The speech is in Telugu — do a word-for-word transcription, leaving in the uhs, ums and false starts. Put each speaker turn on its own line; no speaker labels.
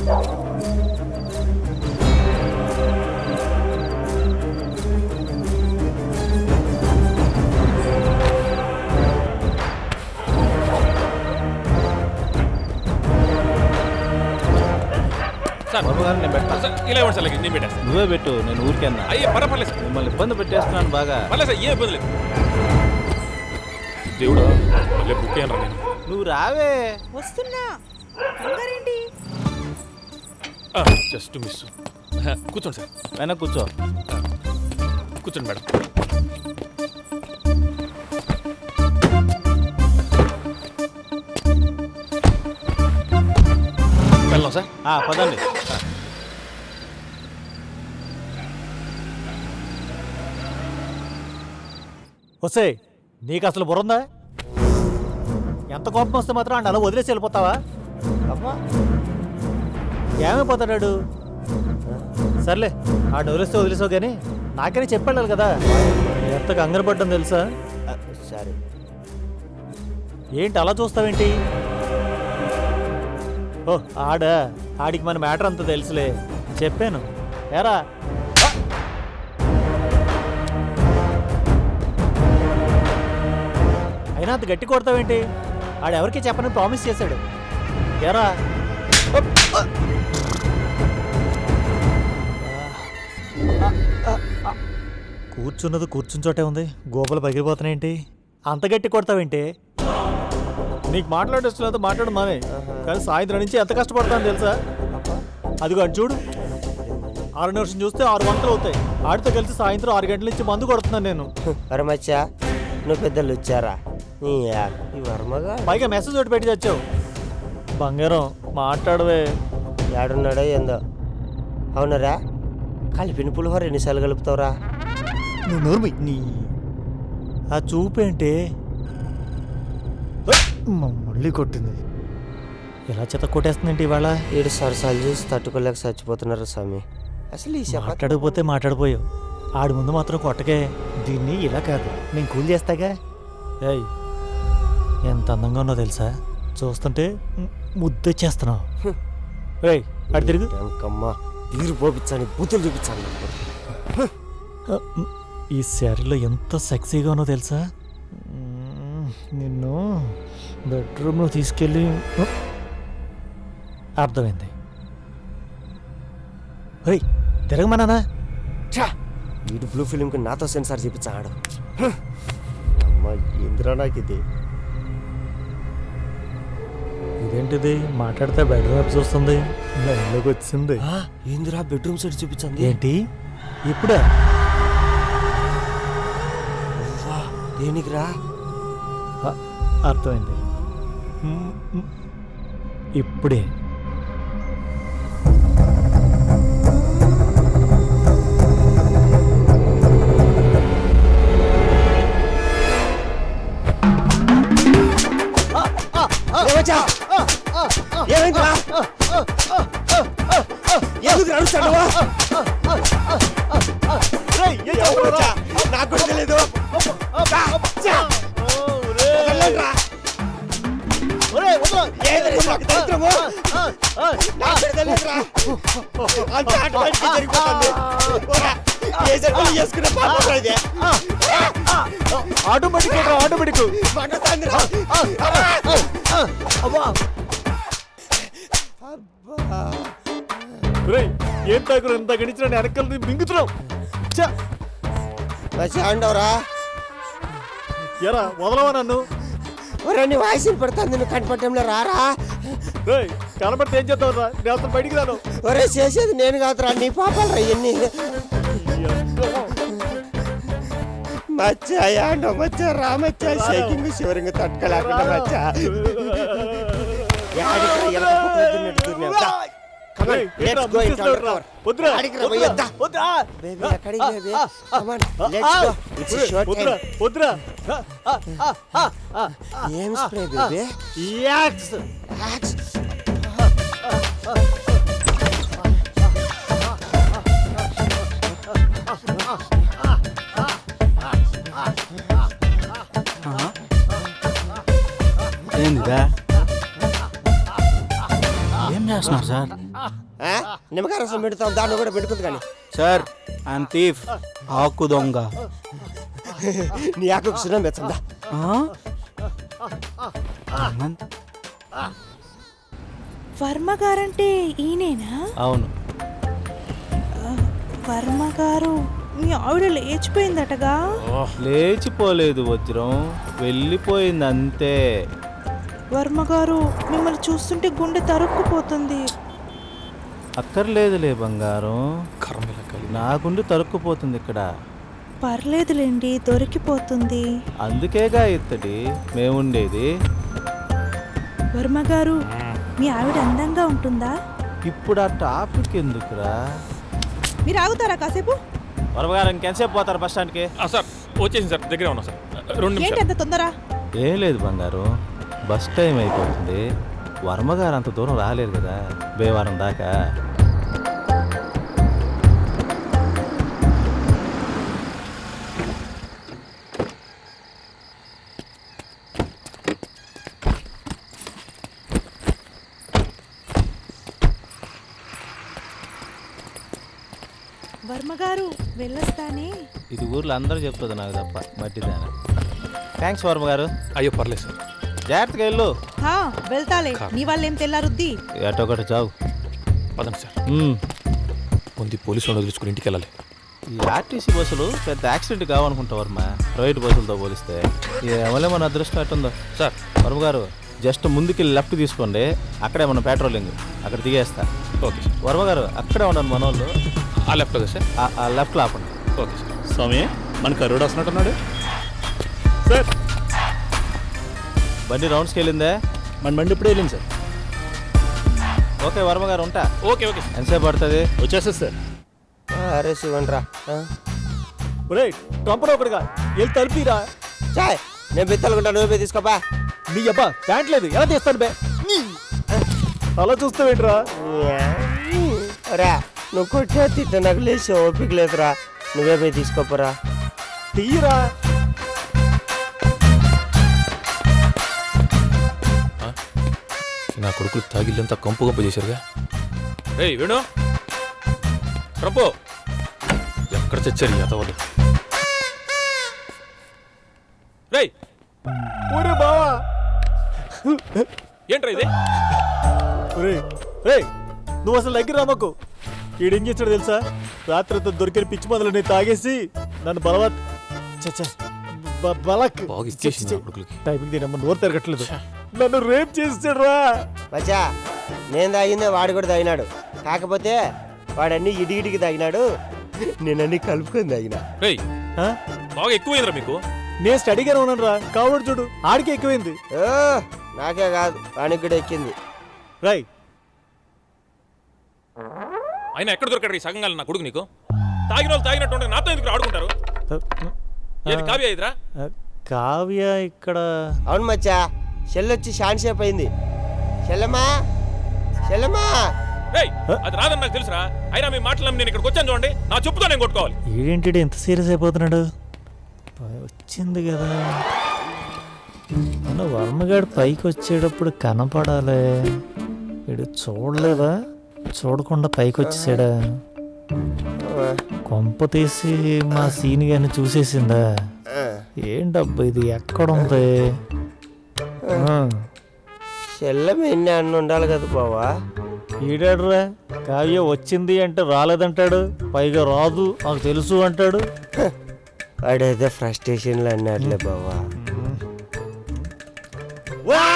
నేను పెడతా.
ఇలా ఇవ్వండి సార్, నేను పెట్టేస్తాను.
నువ్వే పెట్టు, నేను ఊరికేనా.
అయ్యే పర్వాలేదు సార్,
మిమ్మల్ని ఇబ్బంది పెట్టేస్తున్నాను బాగా.
పర్లేదు సార్, ఏ ఇబ్బంది లేదు. దేవుడు మళ్ళీ బుక్ అయ్యాను నేను.
నువ్వు రావే.
వస్తున్నా. అందరేంటి?
Just miss. కూర్చోండి సార్.
అయినా కూర్చో.
కూర్చోండి మేడం. వెళ్దాం సార్.
పదండి.
వస్తే నీకు అసలు బుర్రందా? ఎంత కోపం వస్తే మాత్రం అంటే అలా వదిలేసి వెళ్ళిపోతావా? అమ్మా ఏమైపోతాడాడు? సర్లే ఆ వదిలేస్తే వదిలేసావు కానీ నాకని చెప్పాలి కదా ఎంత కంగారు పడ్డం తెలుసా?
సరే
ఏంటి అలా చూస్తావేంటి? ఓ ఆడా ఆడికి మన మ్యాటర్ అంతా తెలుసులే, చెప్పాను. ఏరా అయినా అంత గట్టి కొడతావేంటి? ఆడెవరికి చెప్పని ప్రామిస్ చేశాడు. ఏరా కూర్చున్నది కూర్చుని చోటే ఉంది, గోపలు పగిలిపోతున్నాయేంటి? అంత గట్టి కొడతావేంటి? నీకు మాట్లాడేస్తున్నది మాట్లాడు మానే, కానీ సాయంత్రం నుంచి ఎంత కష్టపడతాను తెలుసా? అదిగో అటు చూడు, ఆరు నిమిషం చూస్తే ఆరు వందలు అవుతాయి. ఆడితో కలిసి సాయంత్రం ఆరు గంటల నుంచి మందు కొడుతున్నాను నేను.
వరమచ్చా నువ్వు పెద్దలు వచ్చారా? ఈ వర్మగా
పైగా మెసేజ్ ఒకటి పెట్టి తెచ్చావు. బంగారం మాట్లాడవే.
ఏడున్నాడో ఏందో. అవునరా, కలిపిన పులిహోర ఎన్నిసార్లు కలుపుతావురా?
నువ్వు నోర్మి. నీ ఆ చూపేంటి? మళ్ళీ కొట్టింది. ఎలా చెత్త కొట్టేస్తుందంటే ఇవాళ.
ఏడు సరసాలు చూసి తట్టుకోలేక చచ్చిపోతున్నారు స్వామి. అసలు ఈ
మాట్లాడకపోతే మాట్లాడిపోయావు, ఆడి ముందు మాత్రం కొట్టకే. దీన్ని ఇలా కాదు, నేను కూల్ చేస్తాగా. ఏయ్ ఎంత అందంగా ఉన్నో తెలుసా? చూస్తుంటే ముద్దొచ్చేస్తున్నావు. ఏయ్ అటు తిరుగు.
అంకమ్మ తీరు పోపించాను, బూతులు చూపించాను.
ఈ శారీలో ఎంత సెక్సీగా ఉన్నో తెలుసా? నిన్ను బెడ్రూమ్లో తీసుకెళ్ళి. అర్థమైంది. రే తిరగమన్నానా?
వీడు బ్లూ ఫిలింకి నాతో సెన్సార్ చూపించాడు. అమ్మ ఇందిరా నాకు ఇది.
ఇదేంటిది మాట్లాడితే బెడ్రూమ్ వైపు చూస్తుంది, లైన్లోకి వచ్చింది.
ఇందిరా బెడ్రూమ్ సైడ్ చూపించింది.
ఏంటి ఇప్పుడా?
దేనికిరా?
అర్థమైంది ఇప్పుడే.
ఏమైందిరా? ఎందుకు నడుస్తావా? నాకు కూడా తెలియదు.
ఆటోమేటిక్ ఆటోమేటిక్ ఏం తాగురు ఎంత గడిచిన వెనకలు మింగుతున్నావు.
చాండవరా
ఎరా వదలవా నన్ను?
నీ వాయిస్ పడతాను, నువ్వు కనపడటంలో రారా?
కనపడితే ఏం చేస్తావురా? నేను అసలు బయటికి రాను.
ఒరే చేసేది నేను కాదురా, నీ పాపాలు రా ఇవన్నీ. మచ్చా యాండో మచ్చా రామచ్చా షేకింగ్ శివరింగ్ తట్టుకోలేకుండా మచ్చా. ఏం స్ప్రే బేబీ?
యాక్స్
ఏందిదా? ఏం చేస్తున్నారు సార్?
ఆ? నిమ్మకాయ రసం పెడతాం, దాన్ని కూడా పెట్టుకుంది కానీ
సార్ అండ్ థీఫ్ ఆకు దొంగ
నీ ఆకు సున్నం పెచ్చందా.
వర్మ గారంటే ఈయనేనా?
అవును.
వర్మ గారు మీ ఆవిడ లేచిపోయిందటగా.
లేచిపోలేదు వజ్రం, వెళ్ళిపోయింది అంతే.
వర్మ గారు మిమ్మల్ని చూస్తుంటే గుండె తరుక్కుపోతుంది.
అక్కర్లేదులే బంగారం,
కర్మలా కలిగి
నా గుండె తరుక్కుపోతుంది ఇక్కడ.
పర్లేదులేండి, దొరికిపోతుంది.
అందుకేగా ఇత్తడి మేముండేది.
వర్మ గారు మీ ఆవిడ అందంగా ఉంటుందా?
ఇప్పుడు ఆ టాపిక్ ఎందుకురా?
మీరు ఆగుతారా కాసేపు?
వరవగారు ఇంకెంతసేపు పోతారు బస్ స్టాండ్కి?
ఆ, సార్ వచ్చేసింది సార్, దగ్గరే ఉన్నా సార్. రెండు
ఏంటి
నిమిషాలు.
అంత తొందర?
ఏం లేదు బంగారు, బస్ టైం అయిపోతుంది. వర్మగారు అంత దూరం రాలేరు కదా బేవారం దాకా.
వర్మ గారు వెళ్ళొస్తానే.
ఇది ఊర్లో అందరూ చెప్తుంది నాకు తప్ప మట్టిదాన. థ్యాంక్స్ వర్మ గారు.
అయ్యో పర్లేదు సార్.
జాగ్రత్తగా వెళ్ళు.
హా, వెళ్తాలే. నీ వాళ్ళేం తెల్లారుద్ది.
ఎటో ఒకటి చావు.
పదండి సార్,
మ్మ్.
ముందు పోలీసు వాళ్ళు వదిలించుకుని ఇంటికి వెళ్ళాలి.
ఈ ఆర్టీసీ బస్సులు పెద్ద యాక్సిడెంట్ కావనుకుంటా వర్మ, ప్రైవేట్ బస్సులతో పోలిస్తే. ఏమలే మన అదృష్టం ఎట్టుందో.
సార్
వర్మ గారు జస్ట్ ముందుకి లెఫ్ట్ తీసుకోండి, అక్కడే మన పెట్రోలింగ్, అక్కడ దిగేస్తా.
Okay sir.
వర్మ గారు అక్కడే ఉన్నాను మన వాళ్ళు.
ఆ లెఫ్ట్ కదా సార్?
ఆ లెఫ్ట్లో ఆపండి.
Okay sir.
స్వామి మన కరోడు వస్తున్నట్టున్నాడు సార్.
బండి రౌండ్స్కి వెళ్ళిందే?
మన బండి ఇప్పుడు వెళ్ళింది సార్.
ఓకే వర్మ గారు ఉంటా.
Okay okay sir.
ఎంతసేపు పడుతుంది?
వచ్చేస్తుంది సార్.
అరే శివన్రా,
ఒరే కంపడు ఒకటిగా వెళ్ళి తలిపిరా.
చాయ్ నేను బిత్తలుకుంటా, నువ్వే తీసుకోపా.
నీ అబ్బా ప్యాంట్ లేదు, ఎలా తీస్తాను బే? నీ. అలా చూస్తావేంట్రా?
రా నువ్వు కొట్టే తిట్ట నాకు లేచి ఓపిక లేదురా, నువ్వే పోయి తీసుకోపరా.
తీయరా.
నా కొడుకులు తాగిల్లంతా కంపు కంపు చేశారుగా. ఏయ్ వేణు, ప్రభు ఎక్కడ చచ్చారు ఈ అతవాళ్ళు? రేయ్
ఒరే బావా.
ఏంట్రా ఇది?
ఒరే రే, నువ్వు అసలు దగ్గర రామకు. ఈడేం చేస్తాడు తెలుసా? రాత్రి దొరికిన పిచ్చి మందులు నేను తాగేసి నన్ను బలవత్ చచ్చా బ- బలక్
బాగా ఇచ్చేసింది నా కొడుకులకి.
టైమింగ్ దీనమ్మ నోరు తిరగట్లేదు. నన్ను రేప్ చేసాడు రా.
మచ్చా నేను తాగిందే వాడు కూడా తాగినాడు, కాకపోతే వాడన్నీ ఇడిగిడికి తాగినాడు, నేనన్నీ కలుపుకొని తాగినా.
రేయ్
ఆ?
బాగా ఎక్కువైందిరా మీకు.
నేను స్టడీగానే ఉన్నాను రా. కావడు చూడు, ఆడికి ఎక్కువైంది.
ఓ నాకే కాదు వానికి కూడా ఎక్కింది.
రై
ఆయన ఎక్కడ దొరకడు ఈ సగంగా నా కొడుకు నీకు? తాగిన వాళ్ళు తాగినట్టు ఉంటే నాతో ఎందుకు ఆడుకుంటారు? ఏది కావ్య ఇదిరా?
కావ్య ఇక్కడ.
అవును మచ్చా, చెల్లొచ్చి షాన్సేపు అయింది. చెల్లమ్మా చెల్లమ్మా.
రేయ్ అది రాదని నాకు తెలుసురా, అయినా మీ మాటలు నేను ఇక్కడికి వచ్చాను చూడండి, నా చెప్పుతో నేను కొట్టుకోవాలి.
ఏంటి ఎంత సీరియస్ అయిపోతున్నాడు? వచ్చింది కదా మన వర్మగాడు పైకి వచ్చేటప్పుడు కనపడాలి. వీడు చూడలేదా? చూడకుండా పైకి వచ్చేసాడా? కొంప తీసి మా సీని గారిని చూసేసిందా? ఏంటబ్బా ఇది ఎక్కడుంది? ఆ,
చెల్లెమ్మ ఎన్ని అన్న ఉండాలి కదా బావా.
ఈడాడురా. కావ్య వచ్చింది అంటే రాలేదంటాడు, పైగా రాదు నాకు తెలుసు అంటాడు.
వాడైతే ఫ్రస్ట్రేషన్లో అన్నాడులే బావా.
వా